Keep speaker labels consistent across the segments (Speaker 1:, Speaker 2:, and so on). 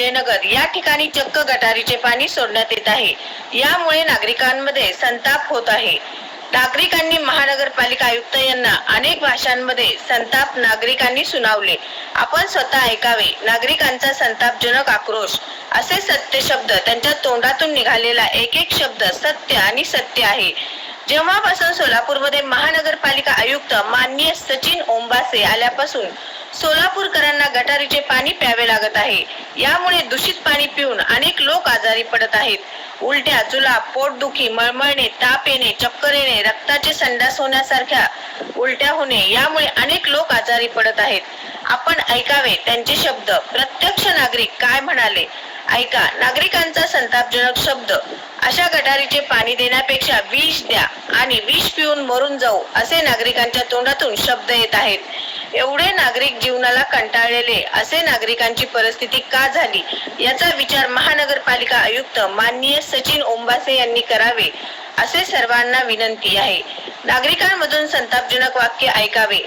Speaker 1: विजयनगर या ठिकाणी चक्क गटारीचे पाणी सोडण्यात येत आहे। यामुळे नागरिकांमध्ये संताप होत आहे। नागरिकांनी महानगरपालिका आयुक्त यांना अनेक भाषांमध्ये संताप नागरिकांनी सुनावले। आपण स्वतः ऐकावे नागरिकांचा संतापजनक आक्रोश। असे सत्य शब्द त्यांच्या तोंडातून निघालेला एक एक शब्द सत्य आणि सत्य आहे। जेव्हापासून सोलापूरमध्ये महानगरपालिका आयुक्त माननीय सचिन ओंबासे आल्यापासून सोलापूरकरांना गटारीचे पाणी प्यावे लागत आहे। यामुळे दूषित पाणी पिऊन अनेक लोक आजारी पडत आहेत। उलट्या, जुलाब, पोटदुखी, मळमळणे, ताप येणे, चक्कर येणे, रक्ताचे संडास होण्यासारख्या उलट्या होणे यामुळे अनेक लोक आजारी पडत आहेत। आपण ऐकावे त्यांचे शब्द। प्रत्यक्ष नागरिक काय म्हणाले ऐका। नागरिकांचा संतापजनक शब्द। अशा गटारीचे पाणी देण्यापेक्षा विष द्या आणि विष पिऊन मरून जाऊ असे नागरिकांच्या तोंडातून शब्द येत आहेत। एवढे नागरिक जीवनाला कंटाळलेले असे नागरिकांची परिस्थिती का झाली याचा विचार महानगरपालिका आयुक्त माननीय सचिन ओंबासे यांनी करावे असे सर्वांना विनंती आहे। नागरिकांमधून संतापजनक वाक्य ऐकावे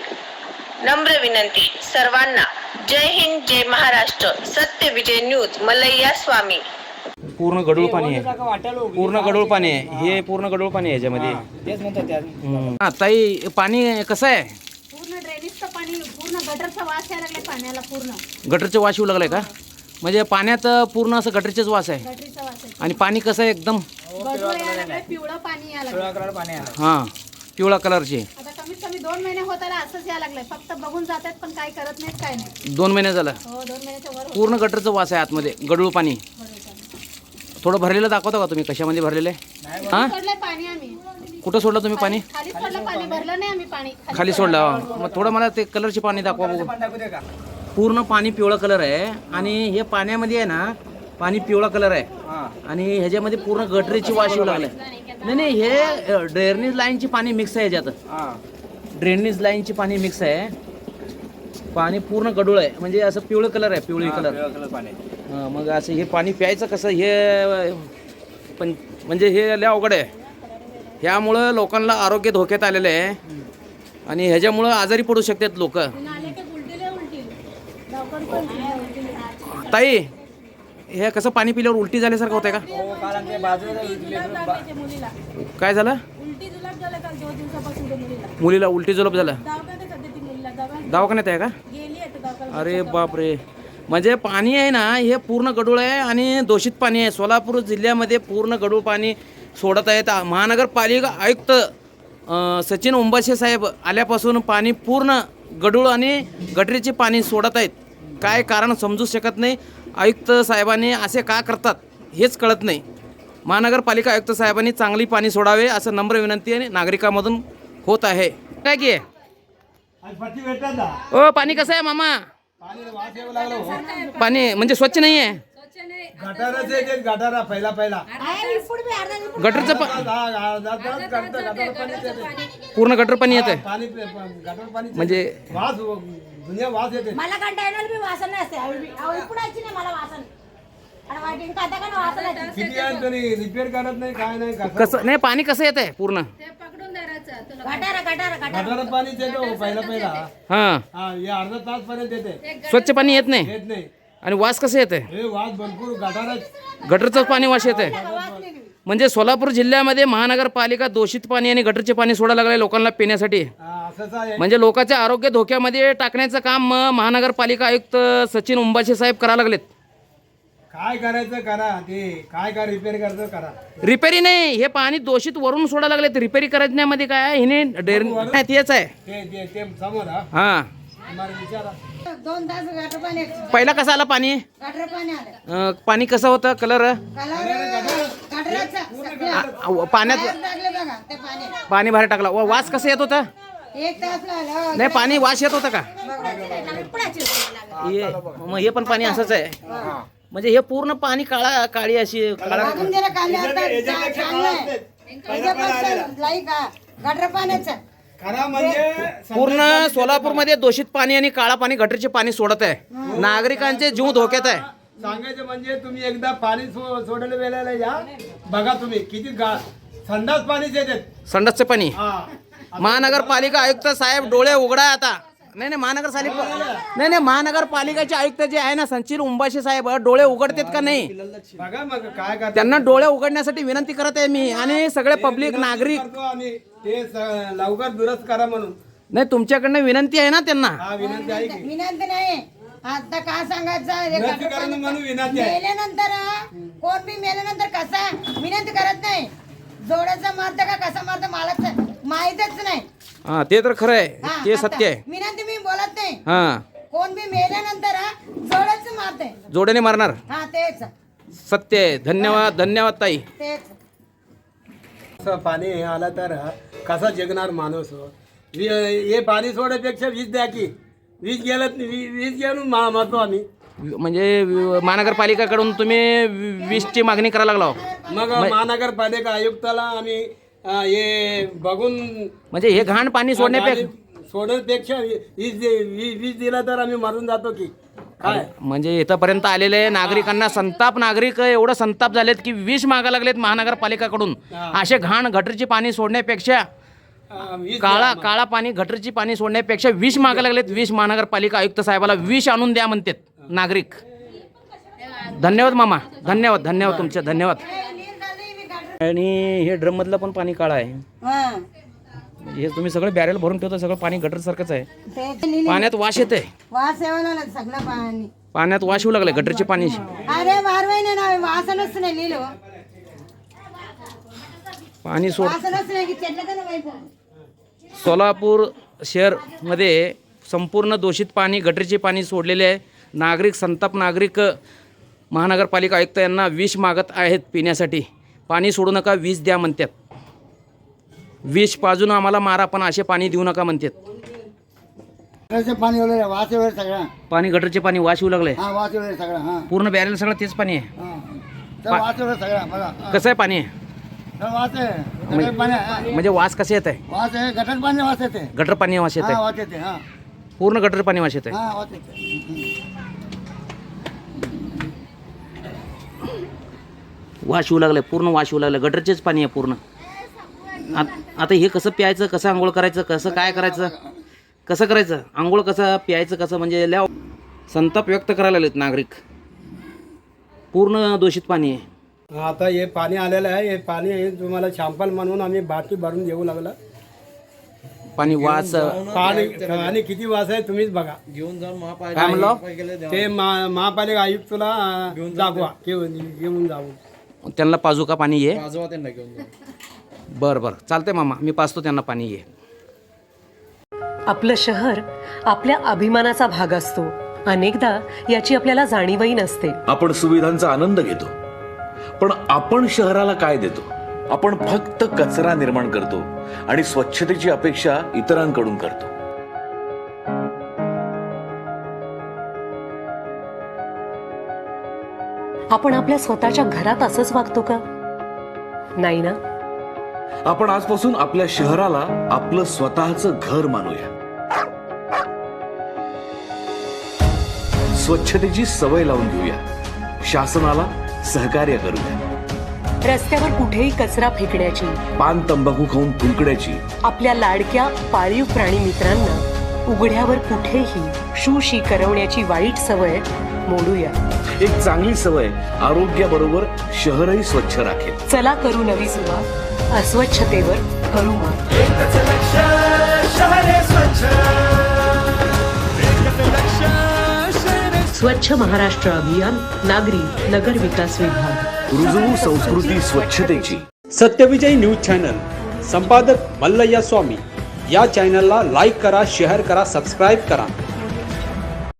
Speaker 1: नम्र विनंती सर्वांना। जय हिंद, जय महाराष्ट्र। सत्य विजय न्यूज, मलैया स्वामी।
Speaker 2: पूर्ण गढूळ पाणी आहे, पूर्ण गढूळ पाणी आहे, हे पूर्ण गढूळ पाणी आहे याच्यामध्ये।
Speaker 3: तेच म्हणतात
Speaker 2: ताई पाणी कसं आहे?
Speaker 4: पूर्ण ड्रेनेजचं पाणी, पूर्ण गटरचा वास यायला लागलाय पाण्याला। पूर्ण
Speaker 2: गटरचे वास येऊ लागलाय का? म्हणजे पाण्यात पूर्ण असं गटरचेच वास आहे
Speaker 4: गटरीचा वास आहे।
Speaker 2: आणि पाणी कसं आहे? एकदम
Speaker 4: गढूळ यायला लागलाय, पिवळं पाणी यायला लागलंय।
Speaker 3: पाणी आहे।
Speaker 2: हां, पिवळा कलरचे।
Speaker 4: आता कमीत कमी 2 महिने होत आला असंच यायला लागलंय। फक्त बघून जातात पण काय करत नाहीत, काय नाही।
Speaker 2: 2 महिने झालं
Speaker 4: हो, 2 महिन्याच्या वर होतं।
Speaker 2: पूर्ण गटरचं वास आहे आतमध्ये, गढूळ पाणी।
Speaker 4: बरोबर चालेल।
Speaker 2: थोडं भरलेलं दाखवता का तुम्ही? कशामध्ये भरलेलं आहे? हां,
Speaker 4: सोडलंय पाणी आम्ही।
Speaker 2: कुठं सोडलं तुम्ही पाणी?
Speaker 4: खाली सोडलं पाणी, भरलं नाही आम्ही पाणी।
Speaker 2: खाली सोडलं। मग थोडं मला ते कलरचे पाणी दाखवा बघू। पूर्ण पाणी पिवळा कलर आहे आणि हे पाण्यामध्ये आहे ना, पाणी पिवळा कलर आहे आणि ह्याच्यामध्ये पूर्ण गटरीची वास येऊ लागलाय। नाही, हे ड्रेनेज लाईनची पाणी मिक्स आहे ह्याच्यात। ड्रेनेज लाईनची पाणी मिक्स आहे। पाणी पूर्ण गढूळ आहे, म्हणजे असं पिवळं कलर आहे, पिवळी कलर। हां, मग असं हे पाणी प्यायचं कसं? हे पण म्हणजे हे लय अवघड आहे। ह्यामुळं लोकांना आरोग्य धोक्यात आलेलं आहे आणि ह्याच्यामुळं आजारी पडू शकतात लोक। ताई, हे कसं पाणी पिल्यावर उलटी झाल्यासारखं होतंय का? काय झालं? मुलीला उलटी जुलाब झाला? दवाखान्यात आहे का? अरे बापरे। म्हणजे पाणी आहे ना, हे पूर्ण गढूळ आहे आणि दूषित पाणी आहे। सोलापूर जिल्ह्यामध्ये पूर्ण गढूळ पाणी सोडत आहेत। महानगरपालिका आयुक्त सचिन ओंबासे साहेब आल्यापासून पाणी पूर्ण गढूळ आणि गटरीचे पाणी सोडत आहेत। काय कारण समजू शकत नाही। आयुक्त साहेबांनी असे का करतात हेच कळत नाही। महानगरपालिका आयुक्त साहेबांनी चांगली पाणी सोडावे असं नम्र विनंती आणि नागरिकांमधून होत आहे। काय की ओ, पाणी कसं आहे मामा? पाणी म्हणजे स्वच्छ नाही आहे। गटरचं पूर्ण गटर पाणी येत आहे म्हणजे
Speaker 4: मला कंटाळणार बी वासन नसते। पुढाची नाही मला वासन। आणि खाता का वासन
Speaker 3: रिपेअर करत नाही, काय नाही।
Speaker 2: कसं नाही? पाणी कसं येत आहे पूर्ण?
Speaker 3: गटार पाणी येतो पहिला
Speaker 2: हां,
Speaker 3: अर्धा तास पर्यंत येते।
Speaker 2: स्वच्छ पाणी येत नाही
Speaker 3: येत नाही
Speaker 2: आणि वास कसं येत आहे?
Speaker 3: हे वास भरपूर गटारच
Speaker 2: गटरचंच पाणी वास येत आहे। म्हणजे सोलापूर जिल्ह्यामध्ये महानगरपालिका दूषित पाणी आणि गटरचे पाणी सोडायला लागले लोकांना पिण्यासाठी।
Speaker 3: असंच आहे।
Speaker 2: म्हणजे लोकांचे आरोग्य धोक्यामध्ये टाकण्याचं काम महानगरपालिका आयुक्त सचिन ओंबासे साहेब करायला लागलेत।
Speaker 3: काय करायचं करा, ते काय रिपेअर करायचं करा।
Speaker 2: रिपेरी नाही, हे पाणी दूषित वरून सोडायला लागलेत। रिपेरी करण्यामध्ये काय आहे? हिने तेच आहे।
Speaker 3: ते समोर
Speaker 2: हां,
Speaker 3: विचारा।
Speaker 4: 2 तास गटर पाणी,
Speaker 2: पहिला कसं आला पाणी?
Speaker 4: गटर पाणी आलं।
Speaker 2: पाणी कसं होतं? कलर पाण्यात
Speaker 4: बघा ते पाणी
Speaker 2: पाणी बाहेर टाकला। वास कसं येत होता?
Speaker 4: 1 तास लागला।
Speaker 2: नाही, पाणी वास येत होता का? मग हे पण पाणी असंच आहे। म्हणजे हे पूर्ण पाणी काळी अशी काळा
Speaker 4: गटर पाण्याचं
Speaker 2: पूर्ण सोलापूरमध्ये दूषित पाणी आणि काळा पाणी गटरचे पाणी सोडत आहे। नागरिकांचे जीव धोक्यात आहे।
Speaker 3: सांगायचं म्हणजे तुम्ही एकदा पाणी सोडलं वेळेला या बघा, तुम्ही किती संडास पाणीच येते।
Speaker 2: संडासचं पाणी। महानगरपालिका आयुक्त साहेब डोळे उघडा आता। नाही महानगरपालिकेचे आयुक्त जे आहे ना संचिल उंबाशी साहेब डोळे उघडतात का नाही?
Speaker 3: बघा मग काय करतो
Speaker 2: त्यांना डोळे उघडण्यासाठी विनंती करत आहे मी आणि सगळे पब्लिक नागरिक.
Speaker 3: आम्ही ते लवकर दुरुस्त करा म्हणून.
Speaker 2: नाही तुमच्याकडनं विनंती आहे ना त्यांना.
Speaker 3: हा विनंती आहे की
Speaker 4: विनंती नाही आता काय सांगायचं
Speaker 3: विनंती करणं म्हणून विनंती आहे.
Speaker 4: मेल्यानंतर कोण बी मेल्यानंतर कसा विनंती करत नाही. जोडाचं मारतं का कसं मारतं मला माहीतच नाही.
Speaker 2: हा ते तर खरं आहे,
Speaker 4: हा,
Speaker 2: ते
Speaker 4: आता
Speaker 2: सत्य आहे.
Speaker 4: विनंती मी बोलत नाही.
Speaker 2: हा
Speaker 4: कोण बी मेल्यानंतर जोडाच मारते.
Speaker 2: जोड्याने मारणार,
Speaker 4: हा तेच
Speaker 2: सत्य आहे. धन्यवाद धन्यवाद ताई.
Speaker 4: तेच
Speaker 3: असं पाणी हे आलं तर कसा जगणार माणूस. हे पाणी सोडण्यापेक्षा वीज द्या की. वीज गेलं वीज घेऊन मरतो आम्ही.
Speaker 2: म्हणजे महानगरपालिकाकडून तुम्ही वीजची मागणी करायला लागला.
Speaker 3: मग महानगरपालिका आयुक्ताला आम्ही हे बघून
Speaker 2: म्हणजे हे घाण पाणी
Speaker 3: सोडण्यापेक्षा वीज दिला तर आम्ही मरून जातो की काय.
Speaker 2: म्हणजे इथंपर्यंत आलेले नागरिकांना नागरिक एवढं संताप झालेत की विष मागा लागलेत महानगरपालिकाकडून. असे घाण गटरीची पाणी सोडण्यापेक्षा काळा पाणी गटरीची पाणी सोडण्यापेक्षा विष मागा लागलेत. विष महानगरपालिका आयुक्त साहेबाला विष आणून द्या म्हणतात नागरिक. धन्यवाद मामा, धन्यवाद धन्यवाद तुमचे धन्यवाद. आणि हे ड्रम मधलं पण पाणी काळं आहे. हे तुम्ही सगळं बॅरेल भरून ठेवता, सगळं पाणी गटर सारखंच आहे. पाण्यात वास येते,
Speaker 4: वास यावं सगळं पाणी
Speaker 2: पाण्यात वास येऊ लागले गटरचे पाणी.
Speaker 4: अरे वारवाई ना वासनच नाही लिहिलो
Speaker 2: पाणी सोड.
Speaker 4: वासनच नाही की चेटलं का नाही.
Speaker 2: सोलापूर शहरमध्ये संपूर्ण दूषित पाणी गटरीचे पाणी सोडलेले आहे. संताप नागरिक महानगरपालिका आयुक्त यांना विष मागत आहेत पिण्यासाठी. पाणी सोडू नका, विष द्या म्हणतात. विष पाजून आम्हाला मारा पण असे पाणी देऊ नका म्हणतात.
Speaker 5: पाणी वगैरे वास वगैरे सगळं
Speaker 2: पाणी गटरचे पाणी वास येऊ लागले.
Speaker 5: हा वास वगैरे सगळं हा
Speaker 2: पूर्ण बॅरेल सगळं तेच पाणी आहे.
Speaker 5: वास वगैरे सगळं बघा
Speaker 2: कसं आहे पाणी?
Speaker 5: वास आहे गटर पाणी आहे.
Speaker 2: म्हणजे वास कसे येत आहे?
Speaker 5: वास आहे गटर पाणी वास येते.
Speaker 2: गटर पाणी वास येत
Speaker 5: हा
Speaker 2: आहे,
Speaker 5: वास येते. हा
Speaker 2: पूर्ण गटर पाणी वास येत आहे.
Speaker 5: हा वास येते.
Speaker 2: वास येऊ लागले, पूर्ण वास येऊ लागले. गटरचेच पाणी आहे पूर्ण. आता हे कसं प्यायचं, कसं आंघोळ करायचं, कसं काय करायचं, कसं करायचं आंघोळ, कसं प्यायचं, कसं म्हणजे लय संताप व्यक्त करायला लागलेत नागरिक. पूर्ण दूषित पाणी आहे.
Speaker 3: आता हे पाणी आलेलं आहे. हे पाणी तुम्हाला शॅम्पल म्हणून आम्ही बाटली भरून देऊ लागला.
Speaker 2: पाणी वास
Speaker 3: पाणी किती वास आहे तुम्हीच बघा.
Speaker 2: घेऊन जाऊन काय म्हणलं
Speaker 3: ते महापालिका आयुक्तला दाखवा घेऊन जाऊ.
Speaker 2: त्यांना पाजू का पाणी ये? बरं बरं चालतंय मामा, मी पाजतो त्यांना पाणी ये.
Speaker 6: आपलं शहर आपल्या अभिमानाचा भाग असतो. अनेकदा याची आपल्याला जाणीवही नसते.
Speaker 7: आपण सुविधांचा आनंद घेतो, पण आपण शहराला काय देतो? आपण फक्त कचरा निर्माण करतो आणि स्वच्छतेची अपेक्षा इतरांकडून करतो.
Speaker 6: आपण आपल्या स्वतःच्या घरात असंच वागतो का? नाही ना.
Speaker 7: आपण आजपासून आपल्या शहराला आपलं स्वतःचं घर मानूया. स्वच्छतेची सवय लावून घेऊया. शासनाला सहकार्य करूया.
Speaker 6: रस्त्यावर कुठेही कचरा फेकण्याची,
Speaker 7: पान तंबाखू खाऊन थुंकण्याची,
Speaker 6: आपल्या लाडक्या पाळीव प्राणी मित्रांना उघड्यावर कुठेही शूशी करवण्याची वाईट सवय मोडूया.
Speaker 7: एक चांगली सवय आरोग्याबरोबर शहरही स्वच्छ राखेल.
Speaker 6: चला करू नवी सुरुवात. अस्वच्छतेवर करू मात. स्वच्छ महाराष्ट्र अभियान, नागरी नगर विकास विभाग.
Speaker 7: रुजवू संस्कृती स्वच्छतेची.
Speaker 8: सत्यविजय न्यूज चॅनल, संपादक मल्लय्या स्वामी. या चॅनलला लाईक करा, शेअर करा, सबस्क्राईब करा.